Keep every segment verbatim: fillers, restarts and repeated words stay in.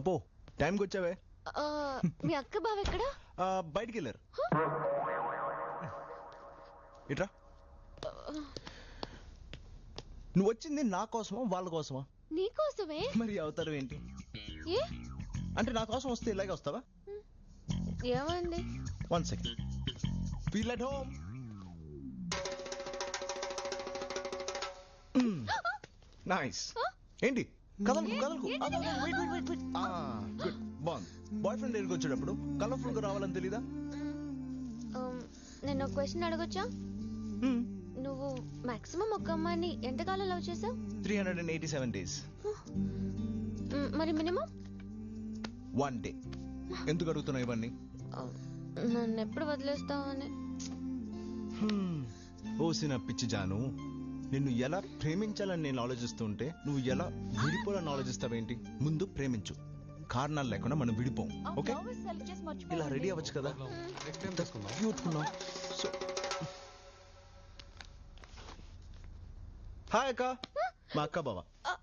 అపో టైంకి వచ్చావే. మీ అక్క బావ ఎక్కడా? బయటికి వెళ్ళారు. ఇట్రా. నువ్వు వచ్చింది నా కోసమా వాళ్ళ కోసమా? నీకోసమే. మరి అవతారం ఏంటి? ఏ అంటే నా కోసం వస్తే ఇలాగే వస్తావా? ఏమైంది? One second. Feel at home. Nice. ఏంటి కదలకు కదలకు గుడ్. బాగుంది. బాయ్ ఫ్రెండ్ దగ్గరికి వచ్చేటప్పుడు కలర్ఫుల్ గా రావాలని తెలీదా? నేను ఒక క్వశ్చన్ అడగొచ్చా? నువ్వు మాక్సిమం ఒక అమ్మాయిని ఎంతకాలం లవ్ చేసావు? Three hundred and eighty seven days. మరి మినిమం? One day. ఎందుకు అడుగుతున్నావు ఇవన్నీ? నన్ను ఎప్పుడు వదిలేస్తావు అని. ఓసిన పిచ్చి జాను, నిన్ను ఎలా ప్రేమించాలని నేను ఆలోచిస్తుంటే నువ్వు ఎలా విడిపోవాలని ఆలోచిస్తావేంటి? ముందు ప్రేమించు, కారణాలు లేకుండా మనం విడిపోం. ఓకే, ఇలా రెడీ అవ్వచ్చు కదా. హాయ్ అక్క, మా అక్క బావ.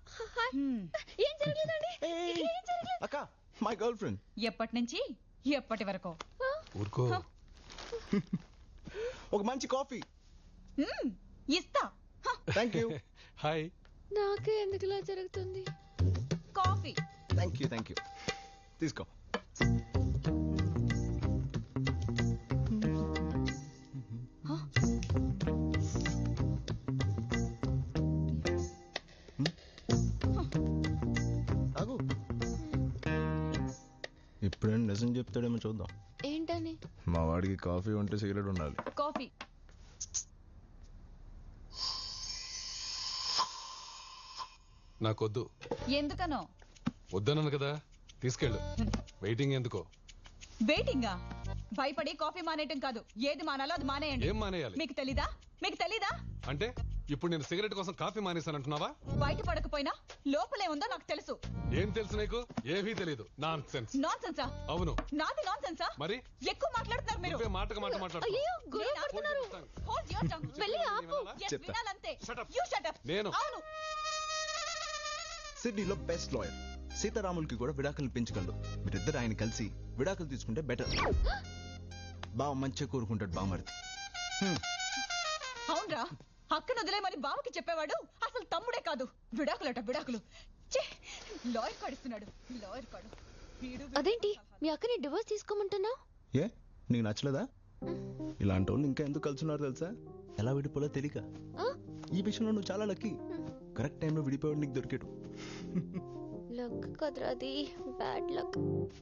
అక్క మై గర్ల్ ఫ్రెండ్. ఎప్పటి నుంచి ఎప్పటి వరకు? ఒక మంచి కాఫీ ఇస్తా. Thank you. హాయ్. నాకే ఎందుకు ఇలా జరుగుతుంది? Coffee. Thank you thank you. తీసుకో. ఆగు. ఇప్పుడేం నిజం చెప్తాడేమో చూద్దాం. ఏంటని? మా వాడికి కాఫీ ఉంటే సిగరెట్ ఉండాలి. కాఫీ. నాకొద్దు. ఎందుకనో? వద్దన్నాను కదా, తీసుకెళ్ళు. వెయిటింగ్ ఎందుకో? వెయిటింగా? భయపడి కాఫీ మానేయటం కాదు, ఏది మానాలో అది మానేయండి. ఏం మానేయాలి? మీకు తెలీదా? మీకు తెలీదా? అంటే ఇప్పుడు నేను సిగరెట్ కోసం కాఫీ మానేశానంటున్నావా? బయట పడకపోయినా లోపలే ఉందో నాకు తెలుసు. ఏం తెలుసు నీకు? ఏమీ తెలీదు. Nonsense. నాన్ సెన్సా? అవును. నాది నాన్ సెన్సా? మరి ఎక్కువ మాట్లాడుతున్నారు మీరు. నువ్వే మాటకు మాట మాట్లాడుతున్నావు. అయ్యో గొడవ పడుతున్నారు. Hold your tongue. వెళ్ళి ఆపు. Yes, వినాలంతే. Shut up. You shut up. నేను. అవును. సిడ్నీలో బెస్ట్ లాయర్ సీతారాములకి కూడా విడాకులు పెంచగలడు. మీరిద్దరు ఆయన కలిసి విడాకులు తీసుకుంటే బెటర్. బావ మంచిగా కోరుకుంటాడు బామర్ది. అవునరా, అక్కను వదిలేమని బావకి చెప్పేవాడు అసలు తమ్ముడే కాదు. విడాకులట విడాకులు. లాయర్ కాడిస్తున్నాడు, లాయర్ కాడు. అదేంటి మీ అక్కని డివోర్స్ తీసుకోమంటున్నావు? ఏ నీకు నచ్చలేదా? ఇలాంటి వాళ్ళు ఇంకా ఎందుకు కలుసున్నారు తెలుసా? ఎలా విడిపోలో తెలియక. ఈ విషయంలో నువ్వు చాలా లక్కీ. కరెక్ట్ టైంలో విడిపోయాడు నీకు దొరికాడు. లక్ కదరాది, బ్యాడ్ లక్.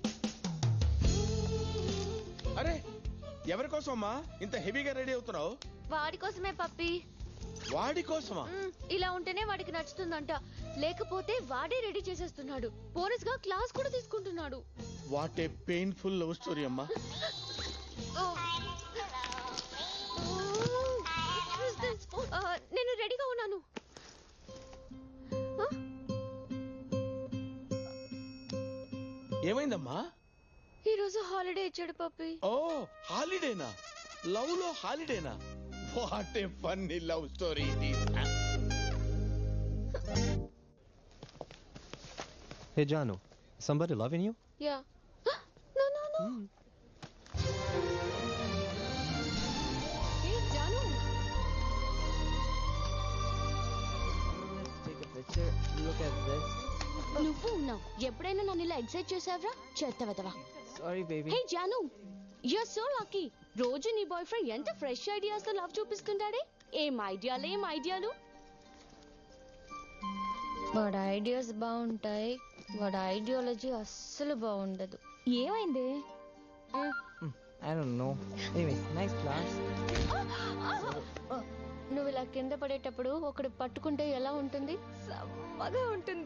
అరే ఎవరి కోసమమ్మా ఇంత హెవీగా రెడీ అవుతున్నావు? వాడి కోసమే పప్పి. వాడి కోసమా? ఇలా ఉంటేనే వాడికి నచ్చుతుందంట, లేకపోతే వాడే రెడీ చేసేస్తున్నాడు. బోనస్ గా క్లాస్ కూడా తీసుకుంటున్నాడు. What a painful love story అమ్మా. నేను రెడీగా ఉన్నాను. ఏమైందమ్మా? ఈ రోజు హాలిడే ఇచ్చాడు పప్పి. ఓ హాలిడేనా? లవ్ లో హాలిడేనా? What a funny love story ఇది. Hey Janu, somebody loving you? Yeah. No no no. Mm. Hey Janu. Let's take a picture. Look at this. నువ్వు ఉన్నావు. ఎప్పుడైనా నన్ను ఇలా ఎక్సైట్ చేసావరా? చేస్తావా? Sorry baby. Hey Janu, you're so lucky. రోజు నీ boyfriend ఎంత ఫ్రెష్ ఐడియాస్ తో లవ్ చూపిస్తుంటాడే. ఏం ఐడియాలు ఏం ఐడియాలు. వాడి ఐడియాస్ బాగుంటాయి, వాడి ఐడియాలజీ అస్సలు బాగుండదు. ఏమైంది? I don't know. Anyway, nice class. నువ్వు ఇలా కింద పడేటప్పుడు ఒకడు పట్టుకుంటే ఎలా ఉంటుంది? సమ్మగా ఉంటుంది.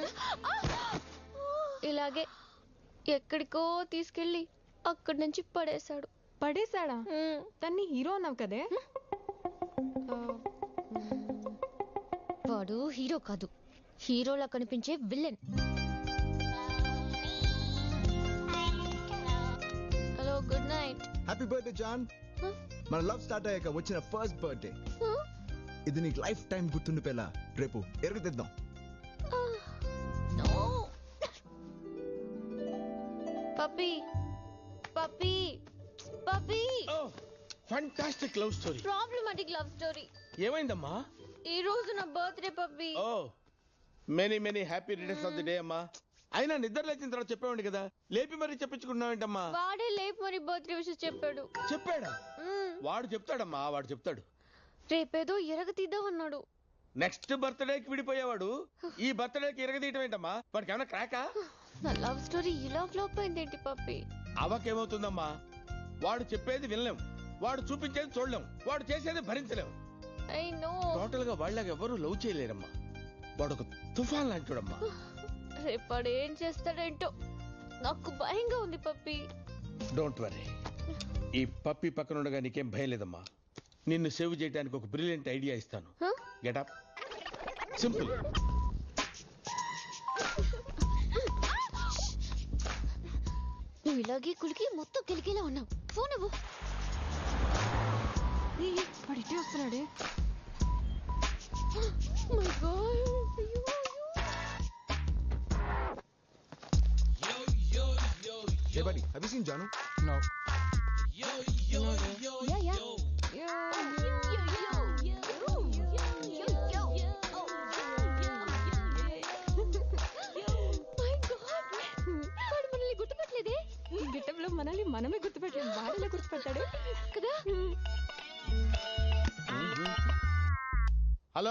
ఇలాగే ఎక్కడికో తీసుకెళ్ళి అక్కడి నుంచి పడేశాడు. పడేశాడా? తన్ని హీరో అన్నావు కదే. వాడు హీరో కాదు, హీరోలా కనిపించే villain. Hello, good night. Happy birthday Jaan. మన లవ్ స్టార్ట్ అయ్యాక వచ్చిన ఫస్ట్ బర్త్డే. ఇది నీకు లైఫ్ టైం గుర్తుండిపోయేలా రేపు ఎరుగుతిద్దాం. Puppy puppy puppy oh fantastic love story. Problematic love story. ఏమైందమ్మా? ఈ రోజు నా birthday puppy. Oh many many happy returns of the day అమ్మా. అయినా నిద్ర లేచిన తర్వాత చెప్పేవాడి కదా, లేపి మరీ చెప్పించుకున్నావేంటమ్మా? వాడే లేపు మరి బర్త్డే విషయం చెప్పాడు. చెప్పాడా? మ్మ్. వాడు చెప్తాడమ్మా, వాడు చెప్తాడు. రేపేదో ఎరగ తీద్దామన్నాడు. నెక్స్ట్ బర్త్డేకి విడిపోయేవాడు ఈ బర్త్డేకి ఇరగదీయటం ఏంటమ్మా? వాడికి ఏమైనా క్రాకా? నా లవ్ స్టోరీ ఇలా ఫ్లాప్ అయిందేంటి పప్పీ? అవకేమవుతుందమ్మా, వాడు చెప్పేది వినలేం, వాడు చూపించేది చూడలేం, వాడు చేసేది భరించలేం. I know. టోటల్ గా వాళ్ళకి ఎవరు లవ్ చేయలేరమ్మా. వాడు ఒక తుఫాన్ లాంటివాడమ్మా. రేపాడు ఏం చేస్తాడేంటో నాకు భయంగా ఉంది పప్పీ. డోంట్ వరీ, ఈ పప్పి పక్కన ఉండగా నీకేం భయం లేదమ్మా. నిన్ను సేవ్ చేయడానికి ఒక బ్రిలియంట్ ఐడియా ఇస్తాను. Huh? Get up. సింపుల్. నువ్వు ఇలాగే కులికి మొత్తం కిలికిలా ఉన్నావు. ఫోన్ ఇవ్వు. వాడు ఇటే వస్తున్నాడే. My God. అయ్యో, అయ్యో. Hey buddy, have you seen Janu? No. Yeah, yeah. Yeah, My God. వాడు మనల్ని గుర్తుపట్టలేదే ఈ గిట్టంలో మనల్ని మనమే గుర్తుపెట్టాం. వాడిలా గుర్తుపెట్టాడు కదా. హలో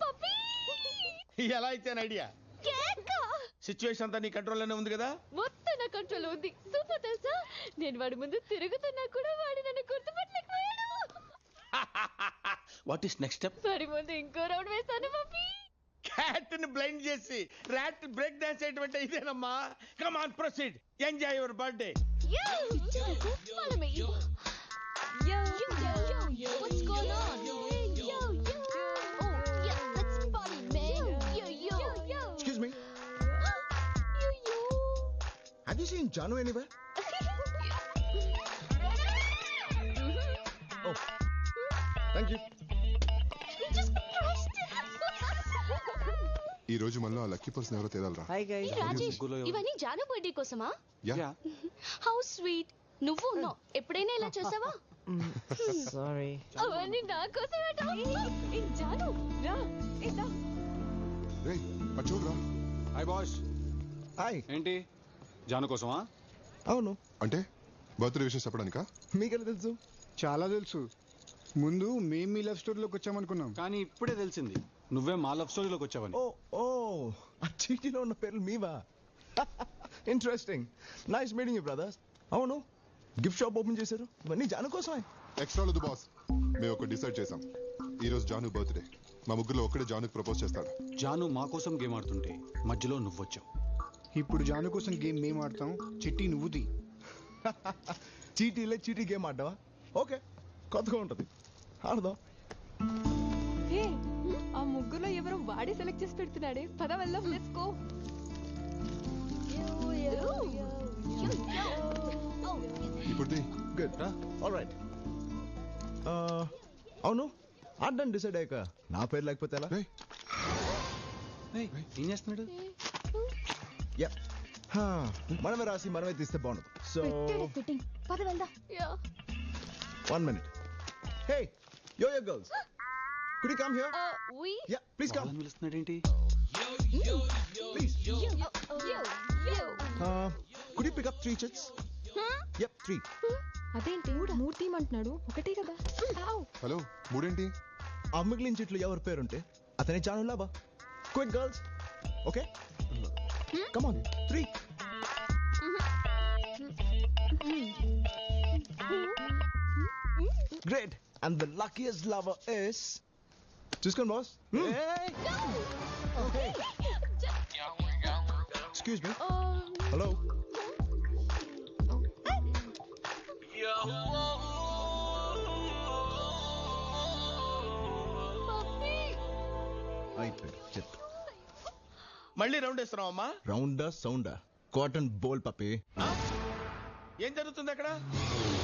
ఎలా ఇచ్చాను ఐడియా? సిచ్యువేషన్ అంతా నీ కంట్రోల్లోనే ఉంది కదా? మొత్తం నా కంట్రోల్ ఉంది. సూపర్ తెలుసా, నేను వాడి ముందు తిరుగుతున్నా కూడా వాడు నన్ను గుర్తుపట్టలేకపోయాడు. What is next step? వాడి ముందు ఇంకో రౌండ్ వేస్తాను పప్పీ. క్యాట్ ని బ్లైండ్ చేసి ర్యాట్ బ్రేక్ డాన్స్ చేయటం ఇదేనమ్మా. Come on proceed, enjoy your birthday. Follow me. Yo. Yo, yo, yo. What's going on? Hey, yo, yo. Oh, yeah, let's party, man. Yo, yo, yo. Excuse me, Yo, yo. have you seen Janu anywhere? Oh, thank you. We just crushed it. ఈ రోజు మనలో ఆ lucky person ఎవరో తేదాలరా. Hi guys. Hey, Rajesh, ఇవన్నీ Janu birthday కోసమా? Yeah how sweet. నువ్వు ఉన్నావు, ఎప్పుడైనా ఇలా చేసావా? Sorry. అవన్నీ నా కోసమేట. ఏ జాను రా. ఏ దా. రేయ్ అటు చూడరా. Hi boss. హాయ్. ఏంటి జాను కోసమా? అవును, అంటే బర్త్డే విషయం చెప్పడానికా? మీకెలా తెలుసు? చాలా తెలుసు. ముందు మేము మీ లవ్ స్టోరీలోకి వచ్చామనుకున్నాం, కానీ ఇప్పుడే తెలిసింది నువ్వే మా లవ్ స్టోరీలోకి వచ్చావని. ఓ ఓ ఆ చీటీలో ఉన్న పేర్లు మీవా? Interesting. Nice meeting you brothers. అవును, గిఫ్ట్ షాప్ ఓపెన్ చేశారు, ఇవన్నీ జాను కోసమే. ఎక్స్ట్రా లేదు బాస్, మేము ఒకటి డిసైడ్ చేసాం. ఈ రోజు జాను బర్త్డే, మా ముగ్గురులో ఒక్కడే జానుకి ప్రపోజ్ చేస్తాడు. జాను మా కోసం గేమ్ ఆడుతుంటే మధ్యలో నువ్వు వచ్చావు. ఇప్పుడు జాను కోసం గేమ్ మేము ఆడతాం, చిట్టి నువ్వు తీ. చీటీలే చీటీ గేమ్ ఆడ్డావా? ఓకే, కొత్తగా ఉంటుంది, ఆడదాం. హే, ఆ ముగ్గురులో ఎవరో వాడే సెలెక్ట్ చేసి పెడుతున్నాడే. పద వెళ్దాం. Let's go. ఇప్పుడు తీ. Good, all right. అవును, ఆడడానికి డిసైడ్ అయ్యాక నా పేరు లేకపోతే ఎలా? రేయ్ ఏయ్, ఏం చేస్తున్నాడు? యా, మనమే రాసి మనమే తీస్తే బాగుండదు. So fitting. పద వెళ్దాం. Yeah. One minute. Hey yo yo girls, could you come here? Uh, we. Yeah please come, వాళ్ళని పిలుస్తున్నాడేంటి? Please. Yo, yo, yo, yo. Could you pick up three chits? Yup, three. అదేంటి మూడు తీయమంటున్నాడు? ఒకటే కదా. Hello, మూడేంటి? ఆ మిగిలిన చెట్లు ఎవరి పేరుంటే అతనే జాను లాభా. Quick girls, okay come on, three. Great, and the luckiest lover is చూసుకోండి boss. Okay. Excuse me. Um, Hello. puppy. అయిపోయింది చెట్టు. మళ్ళీ రౌండ్ వేస్తున్నావు అమ్మా? రౌండా సౌండా? కాటన్ బోల్ పప్పి. ఏం జరుగుతుంది అక్కడ?